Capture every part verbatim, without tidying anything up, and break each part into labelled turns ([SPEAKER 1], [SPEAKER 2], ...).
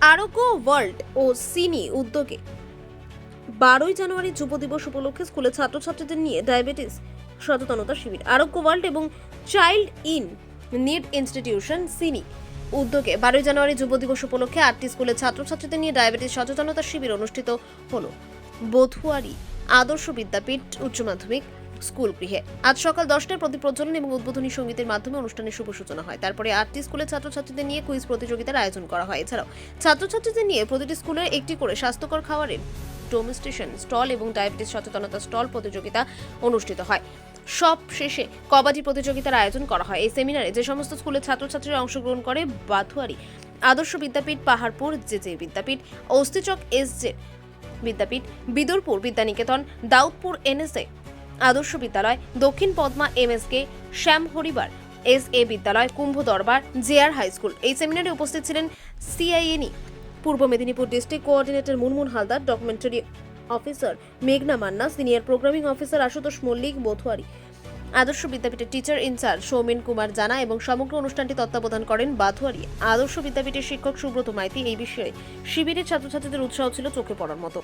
[SPEAKER 1] আরোগ্য ওয়ার্ল্ড ও সিনি উদ্যোগে বারোই জানুয়ারি যুব দিবস উপলক্ষে স্কুলের ছাত্রছাত্রীদের নিয়ে ডায়াবেটিস সচেতনতা শিবির। আরোগ্য ওয়ার্ল্ড এবং চাইল্ড ইন নিড ইনস্টিটিউশন সিনি উদ্যোগে বারোই জানুয়ারি যুব দিবস উপলক্ষে আটটি স্কুলের ছাত্রছাত্রীদের নিয়ে ডায়াবেটিস সচেতনতা শিবির অনুষ্ঠিত হলো বথুয়ারি আদর্শ বিদ্যাপীঠ উচ্চ মাধ্যমিক স্কুল গৃহে। আজ সকাল দশটায় প্রদীপ প্রজ্বলন এবং উদ্বোধনী সঙ্গীতের মাধ্যমে অনুষ্ঠানের শুভ সূচনা হয়। তারপরে আটটি স্কুলের ছাত্রছাত্রীদের নিয়ে কুইজ প্রতিযোগিতার আয়োজন করা হয়। এছাড়াও ছাত্রছাত্রীদের নিয়ে প্রতিটি স্কুলের একটি করে স্বাস্থ্যকর খাবারের ডেমনস্ট্রেশন স্টল এবং ডায়াবেটিস সচেতনতা স্টল প্রতিযোগিতা অনুষ্ঠিত হয়। সব শেষে কবাডি প্রতিযোগিতার আয়োজন করা হয়। এই সেমিনারে যে সমস্ত স্কুলের ছাত্রছাত্রীরা অংশগ্রহণ করে Bathuari Adarsh Vidyapith, Paharpur J J Vidyapith, Astichak S J Vidyapith, Bidurpur Vidyaniketan, Daudpur NSA Adarsh Vidyalaya, Dakshin Padma MSK, Shyam Haribar S A Vidyalaya, Kumbha দরবার, জেআর হাই স্কুল। এই সেমিনারে উপস্থিত ছিলেন CINI Purba Medinipur district coordinator Munmun Haldar, documentary officer মেঘনা Manna, senior programming officer Ashutosh Mallick, Bathuari Adarsh বিদ্যাপীঠের টিচার ইনচার্জ সৌমেন কুমার জানা এবং সমগ্র অনুষ্ঠানটি তত্ত্বাবধান করেন বাথুয়ারি আদর্শ বিদ্যাপীঠের শিক্ষক সুব্রত মাইতি। এই বিষয়ে শিবিরের ছাত্রছাত্রীদের উৎসাহ ছিল চোখে পড়ার মতো।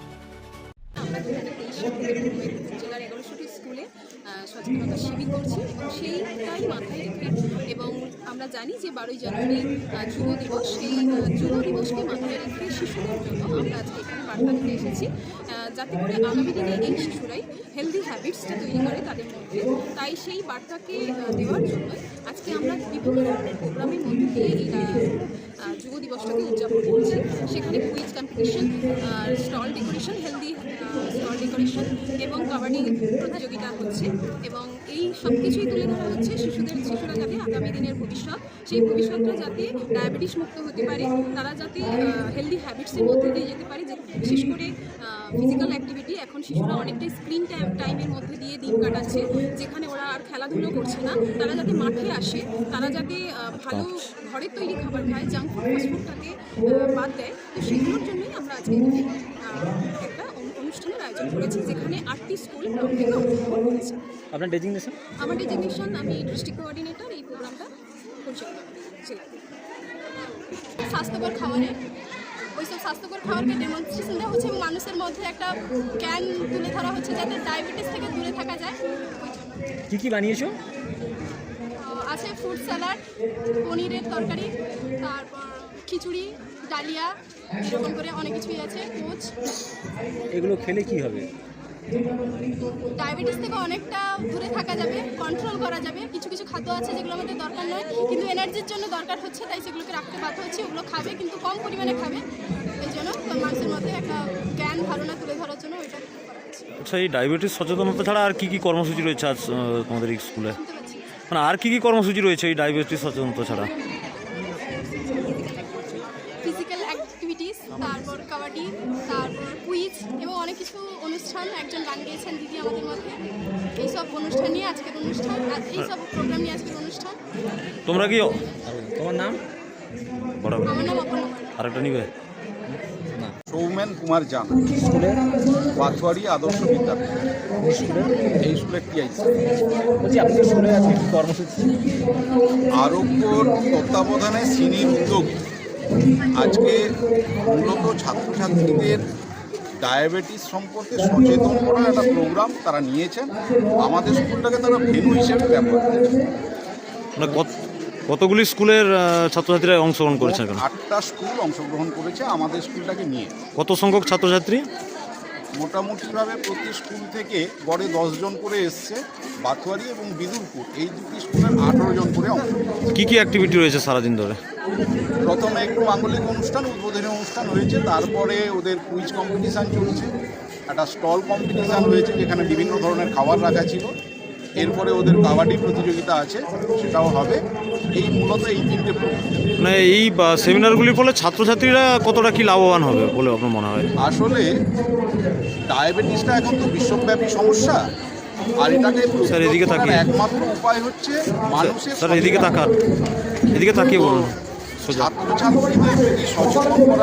[SPEAKER 2] জেলার এগারোশোটি স্কুলে সচেতনতা শিবির করছি এবং সেইটাই মাথায় রেখে এবং আমরা জানি যে বারোই জানুয়ারি যুব দিবস, সেই যুব দিবসকে মাথায় রেখে শিশুদের জন্য আমরা আজকে এখানে বার্তা দিতে এসেছি, যাতে করে আগামী দিনে এই শিশুরাই হেলদি হ্যাবিটসটা তৈরি করে তাদের মধ্যে। তাই সেই বার্তাকে দেওয়ার জন্য আজকে আমরা বিভিন্ন ধরনের প্রোগ্রামের মধ্যে দিয়ে এই যুব দিবসটাকে উদযাপন করছি। সেখানে quiz competition, stall decoration, healthy stall decoration এবং কাবাডি প্রতিযোগিতা হচ্ছে এবং এই সব কিছুই তুলে ধরা হচ্ছে শিশুদের শিশুরা যাতে আগামী দিনের ভবিষ্যৎ, সেই ভবিষ্যৎটা যাতে ডায়াবেটিস মুক্ত হতে পারে, তারা যাতে হেলদি হ্যাবিটসের মধ্যে দিয়ে যেতে পারে। যে বিশেষ করে ফিজিক্যাল অ্যাক্টিভিটি, এখন শিশুরা অনেকটাই স্ক্রিন টাইম টাইমের মধ্যে দিয়ে দিন কাটাচ্ছে, যেখানে ওরা আর খেলাধুলো করছে না। তারা যাতে মাঠে আসে, তারা যাতে ভালো ঘরের তৈরি খাবার খায়, জাঙ্ক ফুড ফাস্টফুডটাকে বাদ দেয়। তো সেগুলোর জন্যই আমরা আজকে একটা অনুষ্ঠানের আয়োজন করেছি, যেখানে আটটি স্কুল থেকে অংশগ্রহণ করেছে।
[SPEAKER 3] আপনার ডেজিগনেশন?
[SPEAKER 2] আমার ডেজিগনেশন, আমি ডিস্ট্রিক্ট কোঅর্ডিনেটর এই প্রোগ্রামটা পরিচালনা করি। স্বাস্থ্যকর খাবারের ওইসব স্বাস্থ্যকর খাবারকে ডেমনস্ট্রেশন দেওয়া হচ্ছে এবং মানুষের মধ্যে একটা জ্ঞান তুলে ধরা হচ্ছে যাতে ডায়াবেটিস থেকে দূরে থাকা যায়।
[SPEAKER 3] কী কী বানিয়েছো?
[SPEAKER 2] আছে ফ্রুট স্যালাড, পনিরের তরকারি, তারপর খিচুড়ি, ডালিয়া, এরকম করে অনেক কিছুই আছে, কোচ।
[SPEAKER 3] এগুলো খেলে কি হবে?
[SPEAKER 2] ডায়াবেটিস থেকে অনেকটা দূরে থাকা যাবে, কন্ট্রোল করা যাবে। কিছু কিছু খাদ্য আছে যেগুলো আমাদের দরকার নয় কিন্তু এনার্জির জন্য দরকার হচ্ছে, তাই সেগুলোকে রাখতে বাধ্য হচ্ছে। ওগুলো খাবে কিন্তু কম পরিমাণে খাবে, এই জন্য মানুষের মধ্যে একটা জ্ঞান ধারণা তুলে ধরার জন্য ওইটা করা হচ্ছে।
[SPEAKER 3] আচ্ছা, এই ডায়াবেটিস সচেতনতা ছাড়া আর কী কী কর্মসূচি রয়েছে আজ তোমাদের এই স্কুলে?
[SPEAKER 2] শুনতে পাচ্ছি
[SPEAKER 3] মানে আর কী কী কর্মসূচি রয়েছে এই ডায়াবেটিস সচেতনতা ছাড়া?
[SPEAKER 2] ফিজিক্যাল অ্যাক্টিভিটিস, তারপর কাবাডি, তারপর কুইজ এবং অনেক কিছু অনুষ্ঠান। একজন গান গেয়েছেন দিদি আমাদের মধ্যে। এইসব অনুষ্ঠান নিয়ে আজকের অনুষ্ঠান, এইসব প্রোগ্রাম নিয়ে আজকের অনুষ্ঠান।
[SPEAKER 3] তোমরা কি? তোমার নাম? বরাবর।
[SPEAKER 2] আমার নাম অপর্ণা।
[SPEAKER 3] আরেকটা নিবে?
[SPEAKER 4] সৌমেন কুমার জানা, স্কুলে বাথুয়ারি আদর্শ বিদ্যাপীঠ, স্কুলে এই স্কুলে টিআইসি।
[SPEAKER 3] বলছি আপনাদের স্কুলে আজকে কী কর্মসূচি?
[SPEAKER 4] আরোগ্যর তত্ত্বাবধানে সিনির উদ্যোগে আজকে মূলত ছাত্রছাত্রীদের ডায়াবেটিস সম্পর্কে সচেতন করার একটা প্রোগ্রাম তারা নিয়েছেন। আমাদের স্কুলটাকে তারা ভেন্যু হিসেবে ব্যবহার করেছেন।
[SPEAKER 3] মানে কত কতগুলি স্কুলের ছাত্রছাত্রীরা অংশগ্রহণ করেছেন?
[SPEAKER 4] আটটা স্কুল অংশগ্রহণ করেছে আমাদের স্কুলটাকে নিয়ে।
[SPEAKER 3] কত সংখ্যক ছাত্রছাত্রী?
[SPEAKER 4] মোটামুটিভাবে প্রতি স্কুল থেকে গড়ে দশজন করে এসছে। বাথুয়ারি এবং বিদুরপুর এই দুটি স্কুলের আঠেরো জন করে অংশ।
[SPEAKER 3] কী কী অ্যাক্টিভিটি রয়েছে সারাদিন ধরে?
[SPEAKER 4] প্রথমে একটু মাঙ্গলিক অনুষ্ঠান, উদ্বোধনী অনুষ্ঠান হয়েছে, তারপরে ওদের কুইজ কম্পিটিশান চলছে, একটা স্টল কম্পিটিশান হয়েছে যেখানে বিভিন্ন ধরনের খাবার রাখা ছিল, এরপরে ওদের কাবাডি প্রতিযোগিতা আছে, সেটাও হবে। এই মূলত এই তিনটে প্রোগ্রাম।
[SPEAKER 3] মানে এই সেমিনারগুলির ফলে ছাত্রছাত্রীরা কতটা কি লাভবান হবে বলে আপনার মনে হয়?
[SPEAKER 4] আসলে ডায়াবেটিসটা এখন তো বিশ্বব্যাপী সমস্যা, আর এটাকে
[SPEAKER 3] স্যার এদিকে তাকিয়ে,
[SPEAKER 4] একমাত্র উপায় হচ্ছে মানুষের।
[SPEAKER 3] স্যার এদিকে তাকান, এদিকে তাকিয়ে বলুন।
[SPEAKER 4] ছাত্রছাত্রীদের যদি সচেতন করা